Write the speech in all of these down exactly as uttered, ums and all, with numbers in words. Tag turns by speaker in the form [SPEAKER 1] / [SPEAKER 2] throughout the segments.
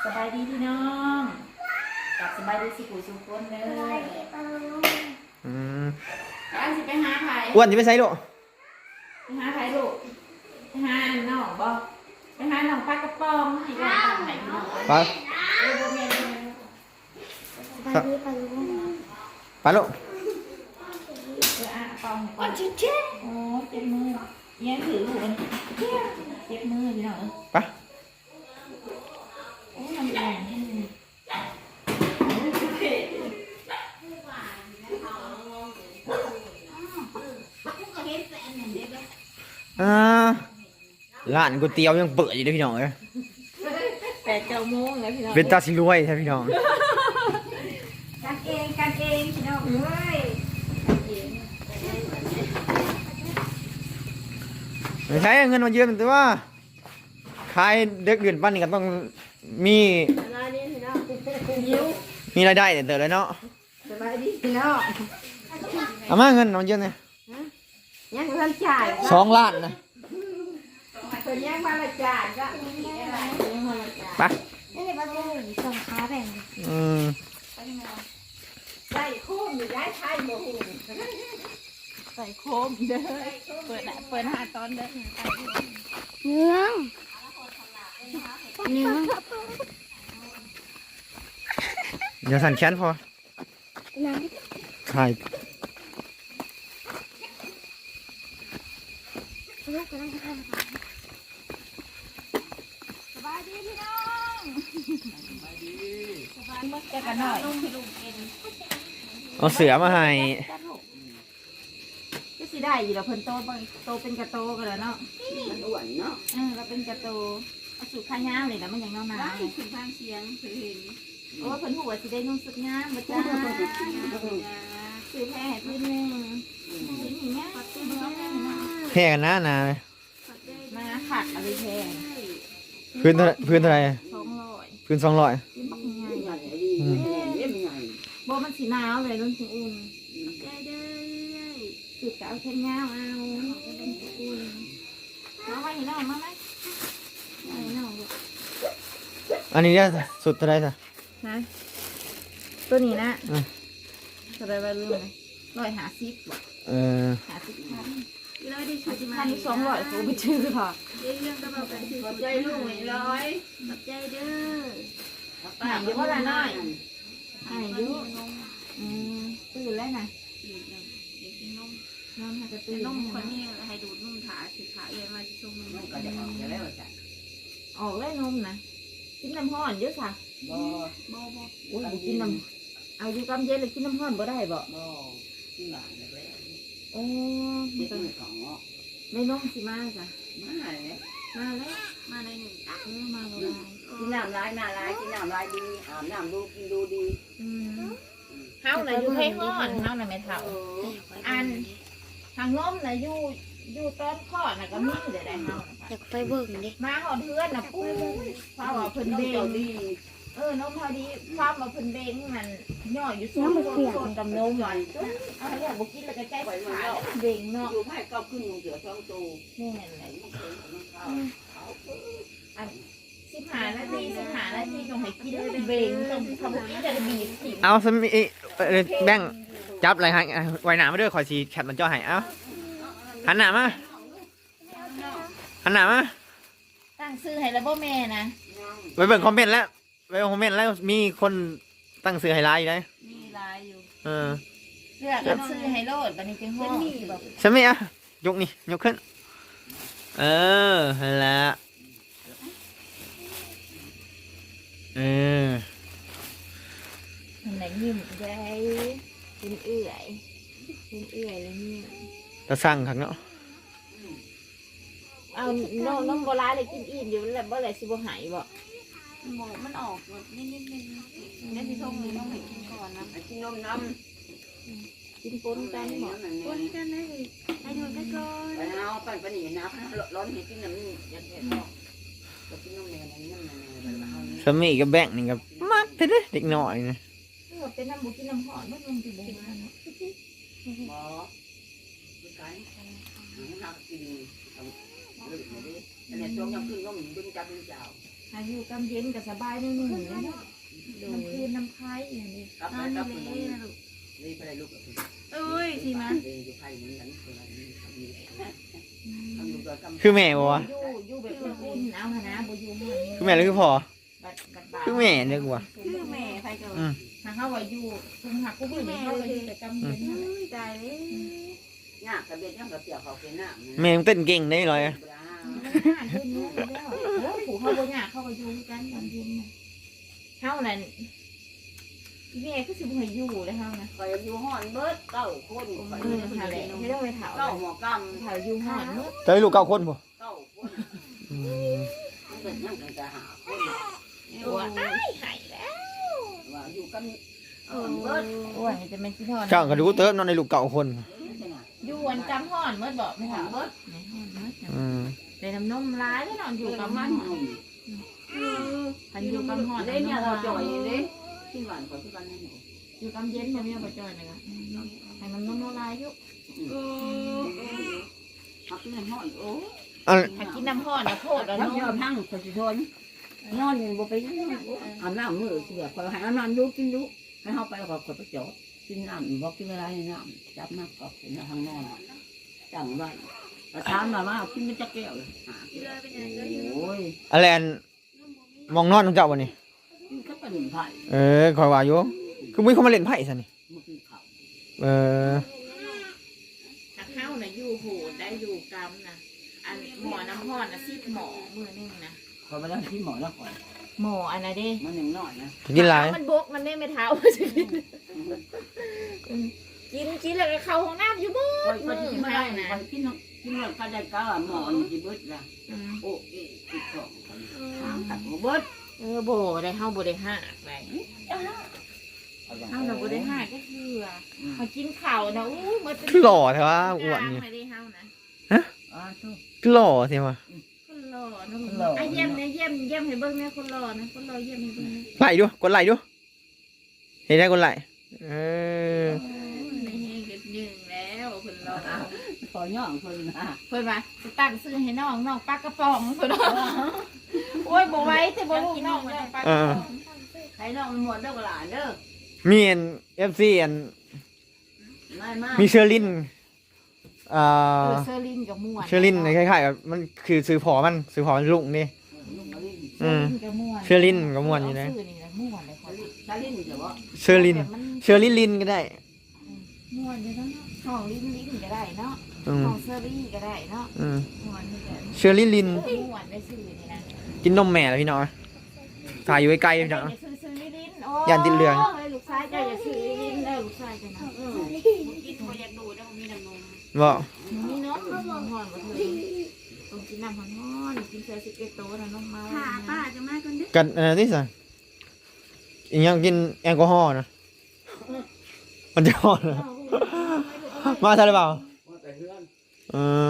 [SPEAKER 1] สบายดีพี่น้องกลับสบายดีสิกูสุกคนเลย
[SPEAKER 2] อืม
[SPEAKER 1] อันสิไปหาไผ่
[SPEAKER 2] อ้วนจะไปใส่ลูก
[SPEAKER 1] ไปหาไผ่ลูกไปหาน้องบ่ไปหาน้องปลากระป๋องให้ก่อนตามไหนพี่น้อง
[SPEAKER 2] ปลา
[SPEAKER 1] เออบ่แม่น
[SPEAKER 2] ปลาลูกปลาลูก
[SPEAKER 1] เอออ่ะปองปองเจ็บโอ้เจ็บมือเอี้ยถือลูกอันนี้เจ็บมือพี่น้อง
[SPEAKER 2] ปลา
[SPEAKER 1] โอ้ยมันแรง
[SPEAKER 2] อ่าร้านก๋วยเตี๋ยวยังเปิดอยู่เลยพี่น้องเอ้ย
[SPEAKER 1] แปดเก้าโมงแล้วพี่น้อง
[SPEAKER 2] เป็นตาสิรวยใช่พี่น้อง
[SPEAKER 1] กันเองกันเองพี่น้องเอ้ย
[SPEAKER 2] ไม่ใช่เงินมาเยอะแต่ว่าขายเด็กเดือนปั้นนี่ก็ต้องมีมีรายได้เติมเลยเนาะ
[SPEAKER 1] สบายดีพี่น้อง
[SPEAKER 2] เอามาเงินมาเยอะเนี่ย
[SPEAKER 1] ยังเงินจ่าย
[SPEAKER 2] สองล้านนะ
[SPEAKER 1] ตัวยังมาละจ่ายก็
[SPEAKER 2] ไป
[SPEAKER 3] นี่เลยประตูส่งขาแบ่ง
[SPEAKER 2] อืม
[SPEAKER 1] ใส่โคมอยู่ย้ายไทยโมโหใส่โคมเด้อเปิดเปิดหาตอนเด้อ
[SPEAKER 3] เนื้อเนื้อ
[SPEAKER 2] เดี๋ยวสั่นแขนพอถ่าย
[SPEAKER 3] ลูกกำลังจะทำ
[SPEAKER 1] สบายดีพี่น้องสบายดีสบายมากแกกันหน่อยลุงพี่ลุงกิน
[SPEAKER 2] เอาเสือมาให้
[SPEAKER 1] ก็สิได้อยู่แล้วเพิ่นโตบางโตเป็นกระโตกันแล้วเนาะมันอ้วนเนาะเออเราเป็นกระโตเอาสูตรข้าวยามเลยนะมันยังเนาหนาถึงทางเสียงคือเห็นโอ้เพิ่นหัวสิได้นุ่งสุดงามบ่จ้าคือแพ้ให้พื้นนึงพื้นอย่างเงี้ย
[SPEAKER 2] แพ้กันนะนาเลย
[SPEAKER 1] มาขัดอะไรแพง
[SPEAKER 2] พื้นเท่าพื้นเท่าไร
[SPEAKER 1] สองร้อย
[SPEAKER 2] พื้นสองร้อย
[SPEAKER 1] พื้นบักใหญ่บ่มันสีหนาวเลยรุ่นสีอุ่นได้ได้สุดจะเอาแค่เงาเอาเป็นอุ่นมาไว้ให้น้องมาไหมให้น้อง
[SPEAKER 2] อันนี้เนี่ยสุดเท่าไรจ้ะ
[SPEAKER 1] ฮะตัวนี้นะจะได้ไปรุ่นเลยร้อยหาซิบ
[SPEAKER 2] เออ
[SPEAKER 1] หาซิบพันร้อยได้หาซิบพันสองร้อยเขาไปชื่อพอเรื่องก็แบบขอบใจลูกหนึ่งร้อยขอบใจเด้อหายเยอะว่าละน้อยหายเยอะอืมตื่นแล้วนะตื่นแล้วเด็กกินนมนมให้กระตื่นนมคนนี้ให้ดูดนมขาถือขาเอียมาชงนมก็จะออกแล้วจ้ะออกแล้วนมนะกินน้ำห้อนเยอะค่ะบ่บ่บ่อุ้ยกินน้ำเอาอยู่กำเย็นเลยกินน้ำห้อนบ่ได้บ่บ่กินหวานเลยโอ้ไม่ต้องของไม่น้องสิมาจ้ะมาเลยมาเลยมาในหนึ่งตักเออมาเลยกินน้ำลายมาลายกินน้ำลายดีอาบน้ำดูกินดูดีเฮาน่ะอยู่ให้ห้อนเฮาน่ะไม่เท่าอันทางล้มน่ะอยู่อยู่ต้นข้อน่ะก็มีเดี๋ยวได้เฮา
[SPEAKER 3] อยากไปเบิ่งดิ
[SPEAKER 1] มาหอดเพื่อนน่ะปุ้ยพาว่าเพิ่นเบ่งดีเออน้องพอดีพามาเพิ่นเบ่งมันย่ออยู่สูงส่วนกับนมหน่อยเอาอยากบ่กินแล้วก็ใจขาดเบ่งเนาะอยู่ให้เก้าขึ้นเสือสองตัวนี่แหละอันสิบห้านาทีสิบห้านาทีต้องให้กินเบ่งต้องทำกินจะบีบสิ
[SPEAKER 2] เอาสมิแบ่งจับอะไรฮะไว้หนามาด้วยคอยสีแคปมันจ่อให้เอาหันหน้ามาหันหน้ามา
[SPEAKER 1] ตั้งซื้อให้แล้วบ่แม่นะ
[SPEAKER 2] ไปเบิ่งคอมเมนต์แล้วไปคอมเมนต์แล้วมีคนตั้งซื้อให้ไลน์อยู่ไหม
[SPEAKER 1] มีไลน์อยู่
[SPEAKER 2] เออ
[SPEAKER 1] เลือกกันซื้อให้โลดบันนี้จังห้อง
[SPEAKER 2] ใช่ไหมอ่ะยกนี่ยกขึ้นเออแล้วเออ
[SPEAKER 1] มันไหนยิ้มใจเป็นเอื่อยเป็นเอื่อยแล้วเนี่ย
[SPEAKER 2] ตะสั่งครับเนาะ
[SPEAKER 1] เอาน้องน้องโบราณเลยกินอิ่มอยู่แล้วบ่อะไรสิบ่หายบ่
[SPEAKER 4] หมูมันออกนิดนิดนิดนี่ที่ส้มนี่ต้องให้กินก่อนนะกินนมน้
[SPEAKER 1] ำกินปนกันหมด
[SPEAKER 4] ปนกันได้ให้ดูไปก่อนไปเอาไปไปหนีน้ำร้อนเห็นกินน้ำนี่ยัดเห็ดออกก็กินนมเนี่ยนี่น้ำเนี่ย
[SPEAKER 2] สมีกับแบงนี่กับมักเด้เด็กหน่อยนะ
[SPEAKER 1] เป็นน้ำบุกินน้ำหอมไม่ลงติดบุกนะ
[SPEAKER 4] หมอคือไก่หักกินเอาเลือดมาดิอันนี้ช่วงยังขึ้นก็เหมือนดึงจับดึงเจ้า
[SPEAKER 1] อายุกำเย็นกับสบายนิดนึงเลยเนาะน้ำคืนน้ำไผ่อย่างนี้
[SPEAKER 4] กลับไปกลับไปนี่ไปลูก
[SPEAKER 1] เอ้ยสิมา
[SPEAKER 4] อยู่ไทยเหมือนกันทำดูตัวกำ
[SPEAKER 2] คือแม่บ่วะ
[SPEAKER 1] อยู่อยู่แบบอุ่นๆเอาหนะบ่อยู่ห้อง
[SPEAKER 2] คือแม่หรือคือพ่อ
[SPEAKER 1] บัดบัดบา
[SPEAKER 2] คือแม่เนี่ยกูว่า
[SPEAKER 1] คือแม่ใครก็
[SPEAKER 2] อืม
[SPEAKER 1] ถ้าเขาว่าอยู่คุมหักกูแม่เขาก็อยู่แต่กำเย็นตายเลย
[SPEAKER 4] ยากกระเบียดยังกระเปียกเขาเป็นหน้า
[SPEAKER 2] แม่มึงเต้นเก่งได้เลย
[SPEAKER 1] ผูเขาบ่ยากเขาก็อยู่กันกำเย็นเฮานั่นแม่ก็สิบ่ให้อยู่เลยเฮานะ
[SPEAKER 4] คอยอยู่ห้อนเบิดเก้าคน
[SPEAKER 1] เออหาแหละไม่ต้องไปเถา
[SPEAKER 4] เก้าหมอก
[SPEAKER 1] เถาอยู่ห้องเนาะ
[SPEAKER 2] จะให้ลูกเก้าคนบ่
[SPEAKER 4] ำเก้าคน
[SPEAKER 2] อืม
[SPEAKER 4] มันเป็นยังกันจะหาคน
[SPEAKER 1] โอ้ยหายแล้ว
[SPEAKER 4] ว่าอยู่กัน
[SPEAKER 1] เออโอ้ยจะเป็นที่นอน
[SPEAKER 2] เจ้าก็ดูเติมนอนในลูกเก้าคน
[SPEAKER 1] อยู่วันจำห้อนเมื่อบอกไม่ถามเมื่อในห้อนเมื่อ
[SPEAKER 2] อืม
[SPEAKER 1] เป็นน้ำนมร้ายแล้วนอนอยู่กับมัน พันอยู่กับหอด
[SPEAKER 4] เล่นเนี่ยเราจ่อยเล่นที่หวานกว่าที่บ้านนั่น
[SPEAKER 1] อยู่กับเย็นมันมีประจอยเลยค่ะให้มันน้ำนมลายอยู่
[SPEAKER 4] หักเงินห้อนโอ้
[SPEAKER 2] อัน
[SPEAKER 1] ถ้ากินน้ำห้อนนะโพดแล้ว
[SPEAKER 4] แล้ว
[SPEAKER 1] น
[SPEAKER 4] เดี๋ยว
[SPEAKER 1] ม
[SPEAKER 4] พังสะท้อนนอนอยู่บ่ไปยังอาบน้ำมือเสียคอยให้อาบน้ำดูกินดูให้เข้าไปแล้วก็กดไปจอดกินน้ำบอกกินเวลาในน้ำจับมากกับเป็นทางนอนจังไว้ประธานมาว่ากินไม่จะแก้วเลยโอ้ย
[SPEAKER 2] อะไรอันมองนอนของเจ้าบ่นี่
[SPEAKER 4] กินก็เป็นไผ่
[SPEAKER 2] เออคอยว่าอยู่คือมึงเข้ามาเล่นไพ่ซะนี่
[SPEAKER 4] เมื่อกี้เขา
[SPEAKER 2] เออ
[SPEAKER 1] ถ้าเข้าน่ะอยู่โหดได้อยู่กำนะอันหมอน้ำห้อนนะซีดหมอมือนึงนะ
[SPEAKER 4] พอไปแล้วที่หมอแล้วก่อน
[SPEAKER 1] หมออันนั้นเด้
[SPEAKER 4] มันยังน้อยนะ
[SPEAKER 2] กินหลาย
[SPEAKER 1] มันบกมันไม่ไม่เท้ากินกินแล้วก็เข้าห้องน้ำอยู่มืด
[SPEAKER 4] คอย
[SPEAKER 1] มื
[SPEAKER 4] กิ
[SPEAKER 1] อน
[SPEAKER 4] ไม่
[SPEAKER 1] เท้า
[SPEAKER 4] ได้
[SPEAKER 1] นะ
[SPEAKER 4] คอยกินกินแล้วก็ได้ก้าหมอจีบดละโอ้ยติดสองสามตัดหัวบด
[SPEAKER 1] เออโบได้เข้าโบได้ห้าไปเข้าน่ะโบได้ห้าก็คือมากินข่าวนะอู้มันเป็น
[SPEAKER 2] คือหล่อแท้ว่าอ้วนนี่
[SPEAKER 1] ไม่ได้เข้านะ
[SPEAKER 4] อ่าทุก
[SPEAKER 2] คือหล่อแท้ว่า
[SPEAKER 1] คนหล่อนะไอ้เยี่ยมเนี่ยเยี่ยมเยี่ยมให้เบิ้งเนี่ยคนหล่อนะคนหล่อเยี่ยมให้เบิ้งนะ
[SPEAKER 2] ไล่ดูกดไล่ดูเห็นได้กดไล่เออ
[SPEAKER 1] ในเฮงกันหนึ่งแล้วคนหล่อ
[SPEAKER 4] ขอย่องคนนะ
[SPEAKER 1] เพิ่นว่าจะตั้งซื้อให้น้องน้องปลากระป๋องเพิ่นโอ้ยบ่ไหว้แต่บ่ลูกน้องน้องปลากระป๋อง
[SPEAKER 4] ใครน้องหมดเด้อหลานเด้อ
[SPEAKER 2] มีอันเอฟซีอัน
[SPEAKER 4] ไม่มาก
[SPEAKER 2] มีเชอร์ลินอ่า
[SPEAKER 1] เออเซอร์ลินกับม่วน
[SPEAKER 2] เชอร์ลินคล้ายๆกับมันคือซื้อพอมันซื้อพอมันลุงนี่
[SPEAKER 1] เซอร์ลินกับม่วน
[SPEAKER 2] เชอร์ลินกับม่วนอยู่นะ
[SPEAKER 1] ชื่อนี่แหละม่วนเลยคน
[SPEAKER 4] ตาลิ้นเดี๋ยวว่า
[SPEAKER 2] เชอร์ลินเชอร์ลินลินก็ได้
[SPEAKER 1] ม่วนอยู่เนาะห้องลิ้นลิ้นก็ได้เนาะ
[SPEAKER 2] อืม
[SPEAKER 1] ห้องเซอร์รี่ก็ได้เนาะ
[SPEAKER 2] อืม
[SPEAKER 1] ม่วนนี่แหละ
[SPEAKER 2] เชอร์ลินลิน
[SPEAKER 1] ม่วนได้ชื่อนี่นะ
[SPEAKER 2] กินนมแม่แล้วพี่น้องถ่ายอยู่ใกล้ๆพี่น้อง
[SPEAKER 1] อย่าซื้อซื้อลิ้นโอ้
[SPEAKER 2] ย่านติดเหลือง
[SPEAKER 1] ลูกชายเจ้าอย่าซื้อลิ้นเด้อลูกชายเจ้านะเออกินบ่อยากดูแล้วมีน้ำนม
[SPEAKER 2] บ่
[SPEAKER 1] นี่เนาะน้ำหอนบ่เธอต้องกินน้ำหอนๆกินเสือสิบเอ็ดโตนะน้องมาค่ะป้าจะมาก่อนเด้อ
[SPEAKER 2] กันเออที่สั่งอีกอย่างกินแอลกอฮอล์นะมันจะฮอดนะมาใช่หรือเปล่าเออ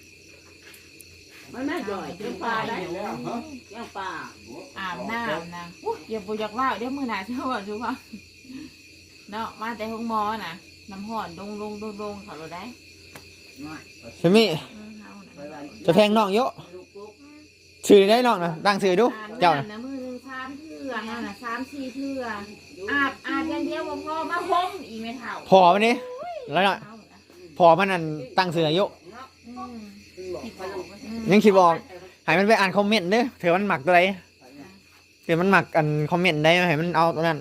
[SPEAKER 4] ไม่แม่จ่อยเจ้าปลาได้แล้วเจ้าปลา
[SPEAKER 1] อาบน้ำนะอุ๊ยอย่าบ่อยากว่าเดี๋ยวมื้อหน้าเจ้าว่าจูว่าเนาะมาแต่ห้องหมอน่ะน้ำหอนดงลงดงลงเขาเราได้
[SPEAKER 4] ไม่
[SPEAKER 2] ใช่ไหม
[SPEAKER 1] เออเฮาน่ะ
[SPEAKER 2] จะแพงน้องเยอะ
[SPEAKER 4] ลูกปุ๊ก
[SPEAKER 2] ชื่อได้น้องนะตั้งชื่อดู
[SPEAKER 1] อาบ
[SPEAKER 2] เจ้านะ
[SPEAKER 1] น้ำนะมือหนึงสามเทื่อเฮาน่ะสามสี่เทื่ออาบอาบอย่างเดียวบ่พอมาห่มอีกไม่เท่า
[SPEAKER 2] พอมันนี่แล้วน่ะ
[SPEAKER 1] เฮาน่ะ
[SPEAKER 2] พอมันนั่นตั้งชื่ออายุ
[SPEAKER 1] อืม
[SPEAKER 4] บอกไปลูก
[SPEAKER 1] อืม
[SPEAKER 2] ยังคิดบอกให้มันไปอ่านคอมเมนต์เด้อเถื่อมันหมักตัวไหนเถื่อมันหมักอันคอมเมนต์ได้ให้มันเอาตัวนั้น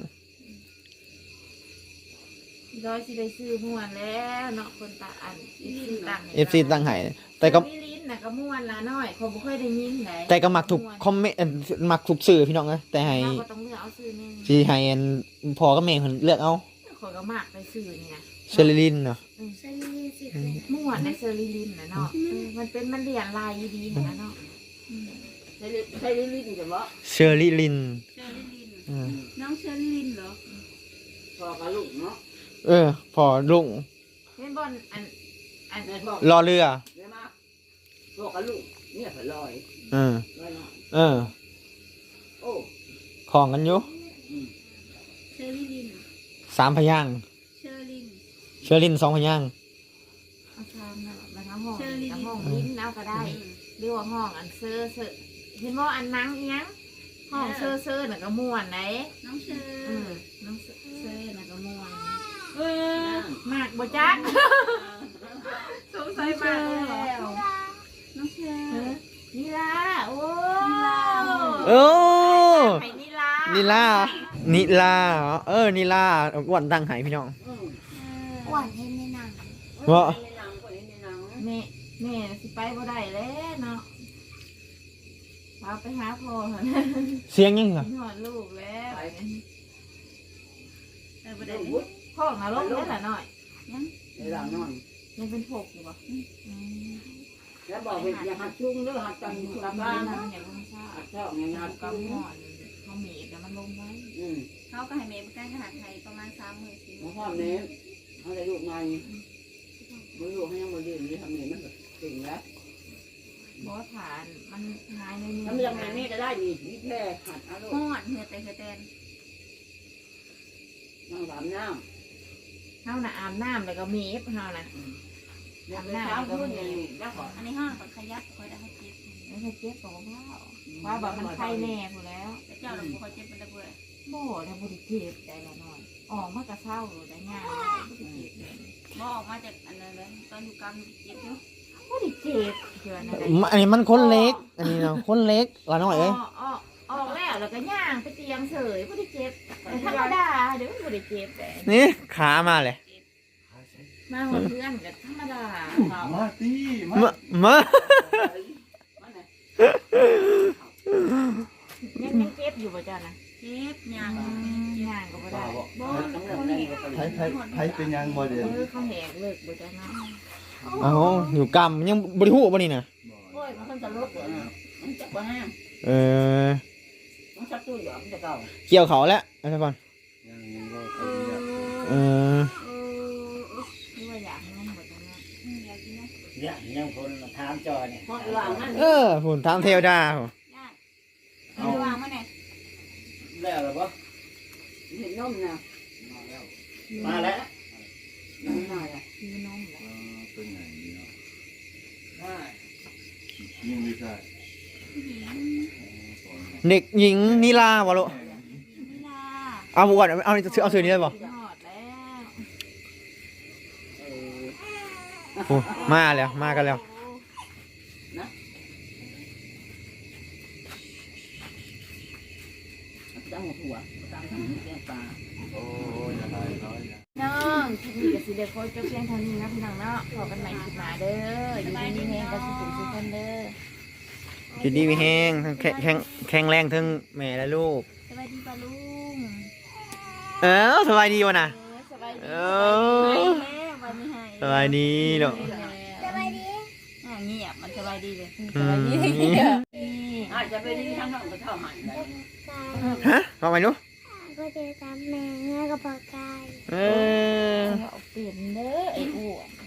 [SPEAKER 1] ร้อยสิได้ซื้อม่วนแล้วเนาะคนตาอันซื้อตังค์
[SPEAKER 2] เอฟซีตั้งให้แต่ก็
[SPEAKER 1] มีลิ้นน่ะก็ม่วนละน้อยเขาบ่ค่อยได้ยินไหน
[SPEAKER 2] แต่ก็หมักถูกคอมเมนต์เอ่อหมักถูกสื่อพี่น้องนะแต่ให้
[SPEAKER 1] เราก็ต้องเลือกเอาซื้อนี่
[SPEAKER 2] ที่ให้อันพอก็แม่เพิ่นเลือกเอา
[SPEAKER 1] ขอยก็มากไปซื้อนี่นะ
[SPEAKER 2] เชอร์ลินเนาะ
[SPEAKER 3] ใส่ยี่สิบ
[SPEAKER 1] ม่วนในเซอร์ลิลินนะเนาะเออมันเป็นมันเรียนลายดีนะเนาะอืม
[SPEAKER 4] ใช้ใช้ลิ้นจะบอก
[SPEAKER 2] เชอร์ลิลิน
[SPEAKER 1] เชอร์ลิลิน
[SPEAKER 2] อืม
[SPEAKER 1] น้องเชอร์ลิลินเหรอ
[SPEAKER 4] พอกับลูกเนาะ
[SPEAKER 2] เออ พอลุง
[SPEAKER 1] เป็นบอลอันอัน
[SPEAKER 4] แม่บอก
[SPEAKER 2] รอเรือ
[SPEAKER 4] เดี๋ยวมาพอกับลูกเนี่ยผลอย
[SPEAKER 2] เออ
[SPEAKER 4] ลอยหน่อย
[SPEAKER 2] เออ
[SPEAKER 4] โอ้
[SPEAKER 2] ของกันอยู่
[SPEAKER 1] เชอร์ลิลิน
[SPEAKER 2] สามพยางค์
[SPEAKER 1] เชอร์ลิน
[SPEAKER 2] เชอร์ลินสองพยางค์
[SPEAKER 1] เอาชามนะมาทั้งห้องทั้งห้องลิ้นเอาก็ได้เรียกว่าห้องอันเซอร์เซอร์เห็นว่าอันนังเอียงห้องเซ่อเซ่อน่ะก็ม่วนไหน
[SPEAKER 3] น้องเชอ
[SPEAKER 1] เออน้องเซ่อเซ่อน่ะก็ม่วนเออมากบ่จ๊ะสงสัยมากแล้ว
[SPEAKER 3] น้องเชอ
[SPEAKER 1] เออนี่ล่ะโอ้
[SPEAKER 2] โอ้
[SPEAKER 1] ไข่นี่ล่ะ
[SPEAKER 2] นิลานิลาเออนิลาอ้วนตั้งใหายพี่น้อง
[SPEAKER 3] หวานเห็นในหนัง
[SPEAKER 2] ว่า
[SPEAKER 1] แม่แม่สิไปบ่ได้แล้วเนาะพาไปหาพ่อเถอะนะ
[SPEAKER 2] เสียงยังเหรอ
[SPEAKER 1] หอดลูกแล้ว
[SPEAKER 3] เออบ่ได้
[SPEAKER 1] พ่อมาลงแล้วล่ะหน่อย
[SPEAKER 4] เวลานอน
[SPEAKER 1] ยังเป็นพกอยู่บ่อืม
[SPEAKER 4] แล้วบอกว่าอย่าหัดจุงเด้อหัดจัง
[SPEAKER 1] ก
[SPEAKER 4] กับ
[SPEAKER 1] ำ
[SPEAKER 4] บ้า
[SPEAKER 1] ลัง
[SPEAKER 4] น
[SPEAKER 1] มันอย่างลงซ่า
[SPEAKER 4] หัดชอบไงหัด
[SPEAKER 1] กำ
[SPEAKER 4] จุง
[SPEAKER 1] หอนเขาหมีบแล้วมันลงไว้
[SPEAKER 4] อืม
[SPEAKER 3] เขาก็ให้เมย์ไปใกล้ขนาดไทยประมาณสามหมื่นสี่ห
[SPEAKER 4] มา
[SPEAKER 3] มื่น
[SPEAKER 4] พ่อเนี้ยเขาได้ลูกใหม่มาลูกให้ยังมาเรียนนี่ทำนี่มันแบบเก่งแล้ว
[SPEAKER 1] บ่ฐานมันหายในนี้
[SPEAKER 4] ทำยังไงนี่ก็ได้ดีนี่แค่หัดเอาลูก
[SPEAKER 3] หอดเหือแต่เหือแตน
[SPEAKER 4] นั่งสามน้
[SPEAKER 1] เฮาน่ะอาบน้ำแล้วก็หมีบเฮาน่ะ
[SPEAKER 4] ำเนี่ยไปเช้าขึ้นนี่แล้วก็
[SPEAKER 3] อันนี้ห้องก่อนขยับคอยได้ให้เจ็บ
[SPEAKER 1] แล้วถ้าเจ็บก็บ่ว่าว่าแบบมันไข้แน่พู้นแล้ว
[SPEAKER 3] แต่เจ้าเราคอยเจ็บเป็นระเบิด
[SPEAKER 1] บ่ได้บ่ได้เจ็บใจละน้อยออกมากระเศร้าได้ง่ายบ่ได้เจ็บเลย
[SPEAKER 3] บ่ออกมาจากอันนั้นเลยตอนอยู่กลางเจ็บอยู่
[SPEAKER 1] บ่ได้เจ็บเชื่อนะได้
[SPEAKER 2] อันนี้มันคนเล็ก อันนี้เนาะคนเล็กละน้อยเอ้ย
[SPEAKER 1] ออกออกออกแล้วแล้วก็ย่างไปเตียงเฉยบ่ได้เจ็บแต่ธรรมดาเดี๋ยวมันบ่ได้เจ็บแต่
[SPEAKER 2] นี่ขามาเลย
[SPEAKER 1] มาหาเพื่อนก็ธรรมดาเขา
[SPEAKER 5] มาตีมา
[SPEAKER 2] มามา
[SPEAKER 1] ยังยังเจ็บอยู่บ่จ้านะ
[SPEAKER 3] เจ็บยาง
[SPEAKER 1] ย่างก็บ่ได้บ่
[SPEAKER 4] ต้องเริ่มแรงก็
[SPEAKER 5] ไผไผไผเป็นยังบ่เด่น
[SPEAKER 1] เออเขาแหกเลิกบ่จ้านะ
[SPEAKER 2] เอาอยู่กำยังบริหูบ่นี่นะ
[SPEAKER 4] โอ้ยมันจะลุกเลยมันจะว่าห้าง
[SPEAKER 2] เออ
[SPEAKER 4] มันชักตู้หยอมจะเก่า
[SPEAKER 2] เกี่ยวเขาแล้วเอาซะก่อน
[SPEAKER 5] ยังยังบ่
[SPEAKER 1] เอ
[SPEAKER 5] เค
[SPEAKER 1] อย
[SPEAKER 2] เออ
[SPEAKER 1] เออนี่ว่าอยากนมบ่จ้านะ
[SPEAKER 3] อยากกินนะ
[SPEAKER 6] เนี่ยยังคนมาถามจอเนี่ย
[SPEAKER 4] เพราะหลังนั่น
[SPEAKER 2] เออฝุ่นทางเทวดาพุ่น
[SPEAKER 3] ญาติเอาวางมาไหน
[SPEAKER 6] แล้วหรือเปล่า
[SPEAKER 4] เห็นนมนะ
[SPEAKER 6] มาแล้ว
[SPEAKER 4] น้ำหน่อยอ่ะ
[SPEAKER 1] คือนมแหละ
[SPEAKER 5] เออเป็นไงนี่เนาะ
[SPEAKER 6] มา
[SPEAKER 5] ยิงไม่ใช่
[SPEAKER 3] ผู้หญิง
[SPEAKER 2] เด็กหญิงนิลาบ่ลูก
[SPEAKER 3] นิลา
[SPEAKER 2] เอาบ่ก่อนเอาเอาเอาสื่อนี้ได้บ่
[SPEAKER 1] หอดแล้ว
[SPEAKER 4] เออ
[SPEAKER 2] โอ้มาแล้วมากันแล้ว
[SPEAKER 4] ตั้งหัวตั้งหัวแก้ปลา
[SPEAKER 5] โอ้ยอะไรร้อยอย่าง
[SPEAKER 1] น้องคลิปนี้ก็สิได้ขอจบเพียงเท่านี้นะพี่น้องเนาะพบกันใหม่คลิปหน้าเด้ออยู่ดีมีแฮงกันสุขสุขคนเด้อ
[SPEAKER 2] จุดดีมีแห้งทั้งแข็งแข็งแข็งแรงทั้งแม่และลูก
[SPEAKER 3] สวัสดีป้าลุง
[SPEAKER 2] เออสบายดีวะนะ
[SPEAKER 1] สบายดี
[SPEAKER 2] เอ
[SPEAKER 3] ให้
[SPEAKER 2] อ
[SPEAKER 3] แล้ววันนี้ให้
[SPEAKER 2] สบายดีเนาะ
[SPEAKER 3] สบายดีอ่าเงียบมันสบายดีเลย
[SPEAKER 2] อืม
[SPEAKER 4] อาจจะไปดีทั้งน้องก็เท่าหันเลย
[SPEAKER 2] ฮะว่าไงลูก
[SPEAKER 3] ก็จะตามแม่แม่ก็ปากกาย
[SPEAKER 2] เออ
[SPEAKER 1] เอาเปลี่ยนเด้อไอ้อ้วน